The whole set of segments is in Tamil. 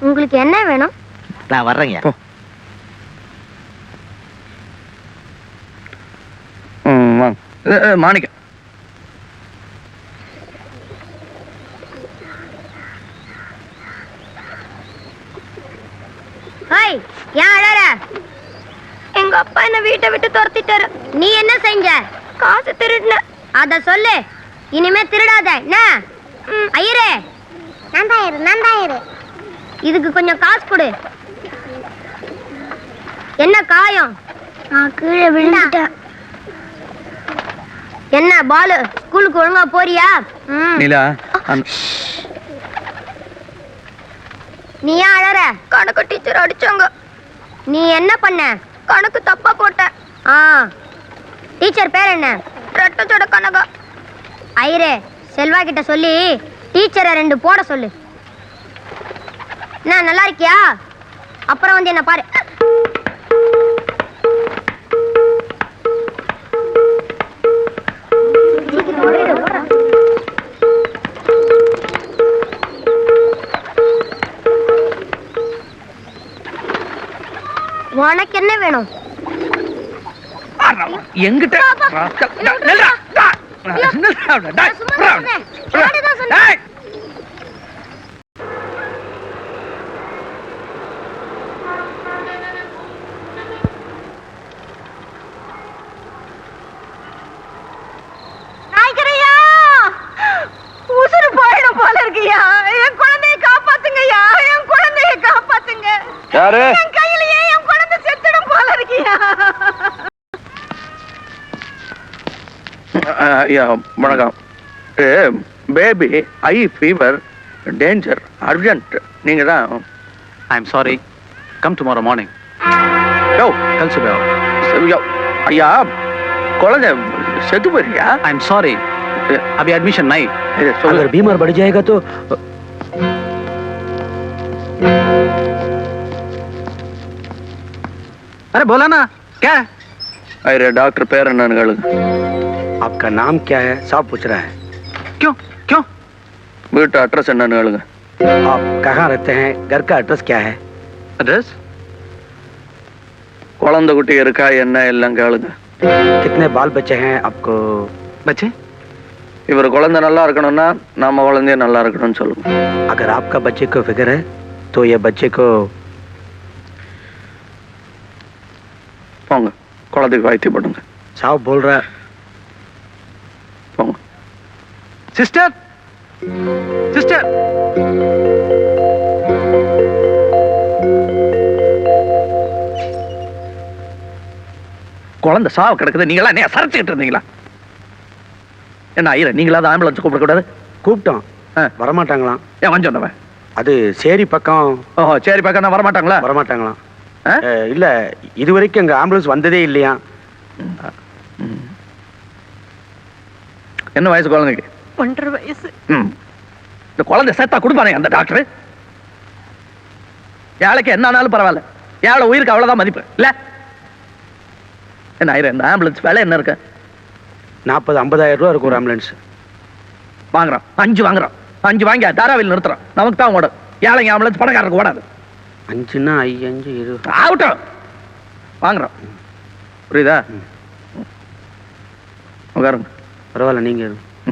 உங்களுக்கு என்ன வேணும்? நான் வர்றேங்க. மாணிக்க ஏன் அழற? எங்க அப்பா என்ன வீட்டை விட்டு துரத்திட்டாரு. நீ என்ன செஞ்ச? காசு திருடுன. அத சொல்லு. இனிமே திருடாத. என்ன ஐயரே? நந்தாயிரு இதுக்கு கொஞ்சம் காசு கொடு. என்ன காயம்? நான் கீழே விழுந்துட்டேன். என்ன பாலு, ஸ்கூலுக்கு ஒழுங்கா போறியா? நீலா, நீ ஏன் அழற? கணக்கு டீச்சர் அடிச்சாங்க. நீ என்ன பண்ண? கணக்கு தப்பா போட்ட. டீச்சர் பேர் என்ன? ரெட்டச்சோட கனகா. ஐயரே, செல்வா கிட்ட சொல்லி டீச்சரை 2 போட சொல்லு. என்ன நல்லா இருக்கியா? அப்புறம் வந்து என்ன பாரு. உனக்கு என்ன வேணும்? எங்கிட்ட உசுறு போயிடும் போல இருக்கியா? என் குழந்தைய காப்பாத்துங்கய்யா, என் குழந்தைய காப்பாத்துங்க. யாரு? என் கையிலேயே என் குழந்தை செத்துடும் போல இருக்கியா? வணக்கம். Baby I fever danger urgent. நீங்க தான். I am sorry. Come tomorrow morning. யோ கல் சுபே. ஐயா, குழந்தை செத்து போயிருக்கியா? आई एम सॉरी, अभी एडमिशन नहीं. अगर बीमार बढ़ जाएगा तो अरे बोला ना क्या है? अरे डॉक्टर पैर என்னன்னு आपका नाम क्या है साहब पूछ रहा है. क्यों क्यों? வீட்டு அட்ரஸ் என்னன்னு கேளுங்க. आप कहाँ रहते हैं? घर का एड्रेस क्या है? एड्रेस? குழந்தை குட்டி இருக்கா என்ன எல்லாம் கேளுங்க. कितने बाल बच्चे हैं आपको? बच्चे? இவர் குழந்தை நல்லா இருக்கணும்னா நம்ம குழந்தைய நல்லா இருக்கணும்னு சொல்லுங்க. अगर आपका बच्चे को फिक्र है तो ये बच्चे को போங்க, குழந்தைக்கு வைத்தியம் பண்ணுங்க. साहब बोल रहा है. போங்க. Sister sister. குழந்தை சாவு கிடக்குது. நீங்களா என்ன சரச்சுக்கிட்டு இருந்தீங்களா? என்ன ஐயர, நீங்களாவது ஆம்புலன்ஸ் கூப்பிடக்கூடாது? கூப்பிட்டோம், வரமாட்டாங்களாம். ஏன் வந்து சொன்னவன்? அது சேரி பக்கம். ஓஹோ, சரி பக்கம் தான் வரமாட்டாங்களா? வரமாட்டாங்களாம். இல்ல, இதுவரைக்கும் எங்க ஆம்புலன்ஸ் வந்ததே இல்லையா. என்ன வயசு குழந்தைக்கு? 1.5 வயசு. இந்த குழந்தை சேர்த்தா கொடுப்பானே அந்த டாக்டர். ஏழைக்கு என்ன ஆனாலும் பரவாயில்ல, ஏழை உயிருக்கு அவ்வளவுதான் மதிப்பு இல்ல. என்ன ஆயிரம் இந்த ஆம்புலன்ஸ் வேலை என்ன இருக்கு? 40-50 ரூபா இருக்கும் ஒரு ஆம்புலன்ஸ். வாங்குறோம், 5 வாங்குறோம். 5 வாங்கி தாராவில் நிறுத்துறோம். நமக்கு தான் ஓடும். ஏழைங்க ஆம்புலன்ஸ் பணக்காரருக்கு ஓடாது. 5ன்னா 5 20 ஆகட்டும், வாங்குறோம். புரியுதா? உட்காருங்க. பரவாயில்ல, நீங்க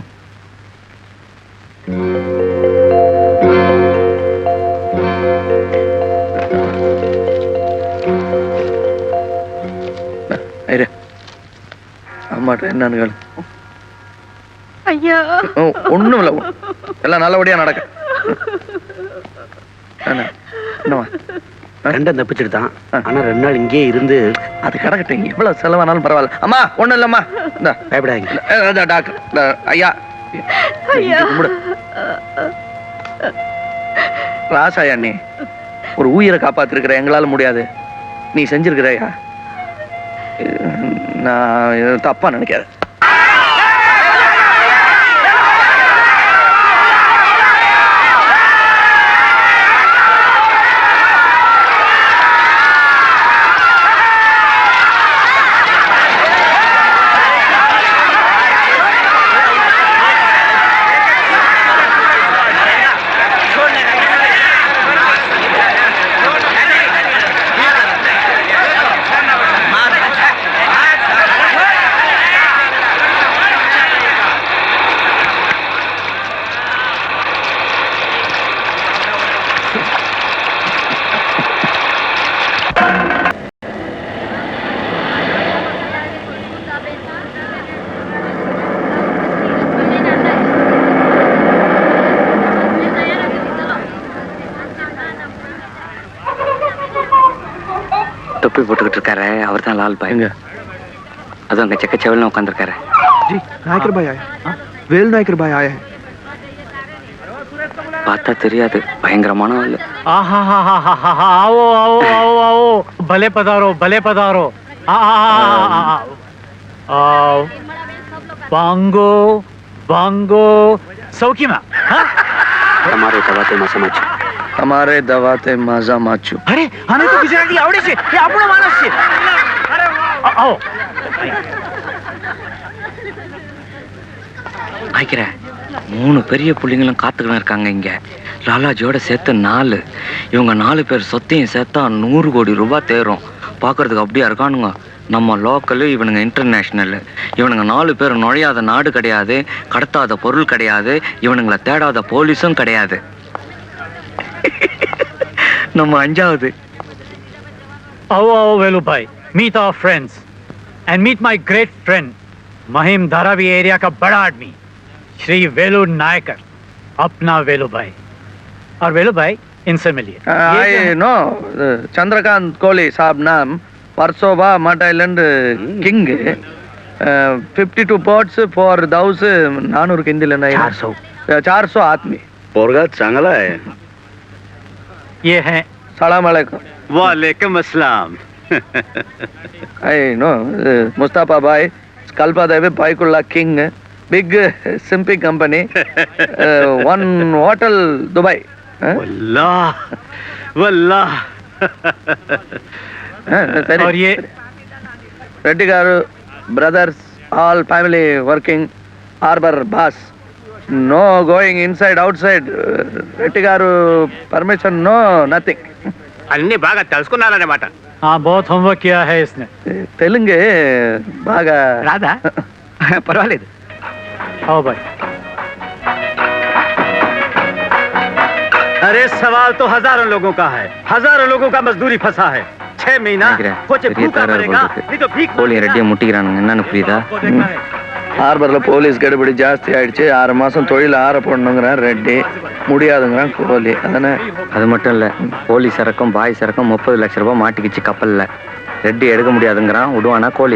அம்மாட்ட என்னன்னு கேளு. ஐயா, ஒண்ணும் இல்ல, எல்லாம் நல்லபடியா நடக்க. கண்டன் தப்பிச்சுட்டு தான். ஆனா 2 நாள் இங்கே இருந்து அது கிடக்கட்டும், எவ்வளவு செலவானாலும் பரவாயில்ல. அம்மா ஒண்ணும் இல்லம்மா, இந்த பயப்படாதீங்க டாக்டர் ஐயா. ராசாயா, நீ ஒரு உயிரை காப்பாத்திருக்கிற, எங்களால முடியாது. நீ செஞ்சிருக்கிறையா? நான் தப்பா நினைக்காத. தொப்பி போட்டுக்கிட்டு இருக்காரு அவர் தான் லால் பாய். எங்க? அதுவும் அங்க செக்க செவல்னு உட்காந்துருக்காரு. जी नायकर भाई आए. वेल नायकर भाई आए हैं. பார்த்தா தெரியாது, பயங்கரமான ஆளு. आओ आओ आओ आओ भले पधारो आओ बांगो बांगो सौखी में हमारे दवाते मसमाच हमारे दवाते माजा माचू. अरे हमें तो गुजराती आवड़े छे ये આપણો માણસ છે. आओ ஆய்க்கிறேன் 3 பெரிய புள்ளிங்களும் காத்துக்கிட்டு இருக்காங்க இங்க. லாலாஜியோட சேர்த்து 4. இவங்க 4 பேர் சொத்தையும் சேர்த்தா 100 கோடி ரூபாய் தேரும். பார்க்கறதுக்கு அப்படியா இருக்கானுங்க. நம்ம லோக்கலு, இவனுங்க இன்டர்நேஷ்னல். இவனுங்க 4 பேர் நுழையாத நாடு கிடையாது, கடத்தாத பொருள் கிடையாது, இவனுங்களை தேடாத போலீஸும் கிடையாது. நம்ம 5வது. आओ आओ वेलू भाई meet our friends and meet my great friend Mahim Dharavi area का बड़ा आदमी श्री वेलू नायकर अपना वेलू भाई. और वेलू भाई इनसे मिलिए. आई नो चंद्रकांत कोहली साहब नाम परसोबा मट आइलैंड किंग. 52 पोर्ट्स फॉर दाउस 400 के हिंदी लेना 400 आदमी. पोरगा चांगला है. ये है सलाम अलैकुम. वालेकुम अस्सलाम. आई नो मुस्तफा भाई Kalbadevi Byculla king big सिंपी कंपनी 1 होटल दुबई. वल्लाह वल्लाह. और ये Reddy garu brothers all family working harbour boss. No going inside outside. Reddy garu permission no nothing. అన్ని బాగా తెలుసుకున్నారన్నమాట. हाँ बहुत होमवर्क किया है इसने. तेलुंगे बागा राधा परवालेद. आओ भाई. अरे सवाल तो हजारों लोगों का है. हजारों लोगों का मजदूरी फंसा है. 6 महीना कुछ भूखा मरेगा नहीं तो भीख கோழி ரெட்டியை முட்டிக்கிறானுங்க. என்னன்னு புரியுதா? ஹார்பர்ல போலீஸ் கடுபிடி ஜாஸ்தி ஆயிடுச்சு. 6 மாசம் தொழில் ஆற போடணுங்கிறான் ரெட்டி. முடியாதுங்கிறான் கோலி. அதானே? அது மட்டும் இல்ல, போலீஸ் சரக்கும் பாய் சரக்கும் 30 லட்சம் ரூபாய் மாட்டிக்கிச்சு கப்பல்ல. ரெட்டி எடுக்க முடியாதுங்கிறான். விடுவானா கோழி?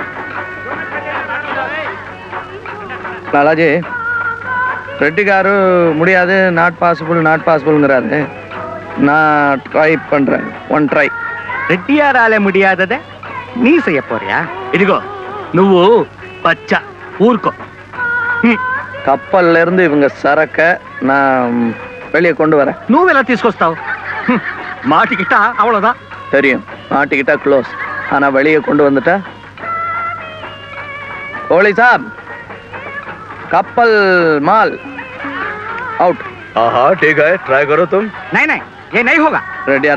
లాలాజీ రెడ్డి గారు முடியாது, நாட் பாசிபிள்ங்கிறாரு. நான் ட்ரை பண்றேன். 1 ட்ரை. రెడ్డియారాలే ముడియాదదే నీ செய்ய போறியா? ఇదిగో నువ్వు పచ్చ ఊరుకో. கப்பல்ல இருந்து இவங்க சரக்க நான் வெளியே கொண்டு வரேன். నువ్వెలా తీసుకొస్తావు? మాటికిట్టా அவ்வளவுதான். தெரியும், மாட்டிக்கிட்டா க்ளோஸ். ஆனா வெளியே கொண்டு வந்துட்டா கோலி சாப் कपल माल आउट. हाँ ठीक है ट्राई करो तुम. नहीं नहीं ये नहीं होगा. ரெடியா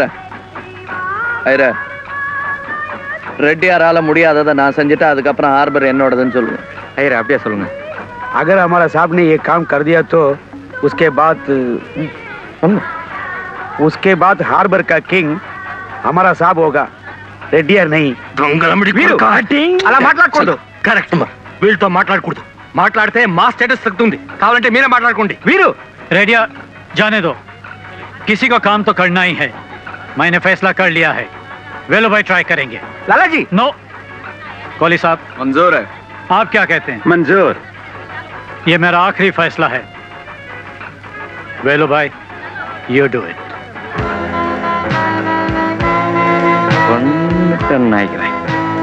ஐரா. ரெட்டியாரால முடியாததை நான் செஞ்சுட்டா அதுக்கப்புறம் ஹார்பர் என்னோடதுன்னு சொல்லுவேன். ஐயரே அப்படியே சொல்லுங்க. अगर हमारा साहब ने ये काम कर दिया तो उसके बाद हार्बर का किंग हमारा साहब होगा, रेड्डियर नहीं. అలా మాట్లాడకూడదు. కరెక్ట్. వీళ్ళతో మాట్లాడకూడదు. మాట్లాడితే మా స్టేటస్ తగ్గుతుంది. కావాలంటే మీరే మాట్లాడుకోండి. వీరు रेडिया जाने दो. किसी को काम तो करना ही है. मैंने फैसला कर लिया है. वेलो भाई ट्राई करेंगे. లాలాజీ नो कोहली साहब मंजूर है. आप क्या कहते हैं? मंजूर. ये मेरा आखिरी फैसला है. वेलो भाई यू डू इट. நினைக்கிறேன்.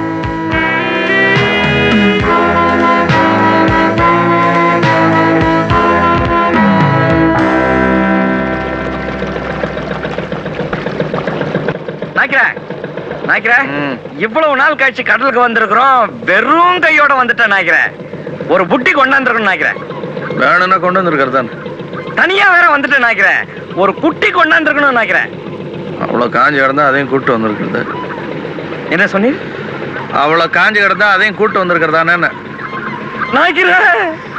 இவ்வளவு நாள் கழிச்சு கடலுக்கு வந்திருக்கிறோம். வெறும் கையோட வந்துட்டேன் நினைக்கிறேன். ஒரு புட்டி கொண்டாந்துருக்கணும் நினைக்கிறேன். வேணும்னா கொண்டு வந்திருக்கிறதான். தனியா வேற வந்துட்டேன் நினைக்கிறேன். ஒரு குட்டி கொண்டாந்துருக்கணும் நினைக்கிறேன். அவ்வளோ காஞ்சி கிடந்தா அதையும் கூட்டு வந்திருக்கிறது. என்ன சொன்னீர்? அவ்வளோ காஞ்சி கிடந்தா அதையும் கூட்டு வந்திருக்கிறதானே நினைக்கிறேன்.